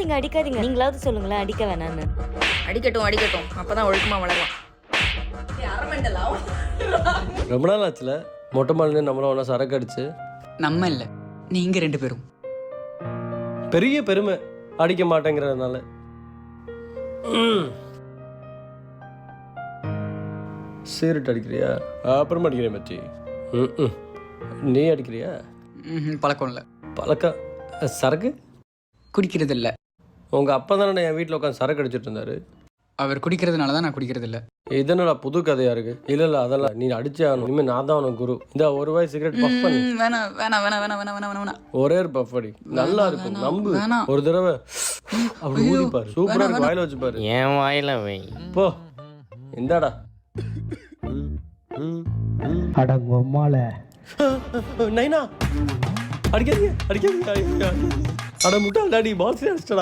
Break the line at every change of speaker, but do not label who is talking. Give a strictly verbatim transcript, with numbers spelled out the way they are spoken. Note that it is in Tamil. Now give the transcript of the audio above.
அடிக்காதீங்க அடிக்காதீங்க. நீங்களாவது சொல்லுங்களேன் அடிக்க வேணான்னு.
அடிக்கட்டும் அடிக்கட்டும், அப்பதான் ஒழுக்கமா வளரலாம்.
ரொம்ப நாள் ஆச்சுல மொட்டை மாடினு நம்மளும் ஒன்றா சரக்கு அடிச்சு.
நம்ம இல்லை, நீங்க ரெண்டு பேரும்.
பெரிய பெருமை அடிக்க மாட்டேங்கிறதுனால. சீரட் அடிக்கிறியா? அப்புறமா அடிக்கிறேன் மச்சி. ம் நீ அடிக்கிறியா?
ம் பழக்கம் இல்லை.
பழக்கம் சரக்கு
குடிக்கிறது இல்லை.
உங்கள் அப்பா தானே என் வீட்டில் உட்காந்து சரக்கு அடிச்சிட்டு இருந்தாரு.
அவர் குடிக்கிறதுனால தான் நான் குடிக்கிறது இல்லை.
இதனடா புது கதையா இருக்கு. இல்லை இல்லை அதெல்லாம் நீ அடிச்சே ஆகணும். இனிமேல் நான் தான் உனக்கு குரு. இந்த ஒரு வாய் சிகரெட் பஃப் பண்ணி.
வேணாம் வேணாம் வேணாம் வேணாம் வேணாம் வேணாம் வேணாம்.
ஒரே ஒரு பஃப் அடி, நல்லா இருக்கும். நம்பு, ஒரு தடவை அப்படி ஊதிப்பாரு. சூப்பரா இருக்கு. வாயில வச்சு பாரு.
என் வாயில வை.
போ இந்தாடா.
அடங்கொம்மால
நைனா அடிக்காதீங்க அடிக்காதீங்க. அட முட்டாள் டாடி பால்ஸ் அடிச்சிட்டா.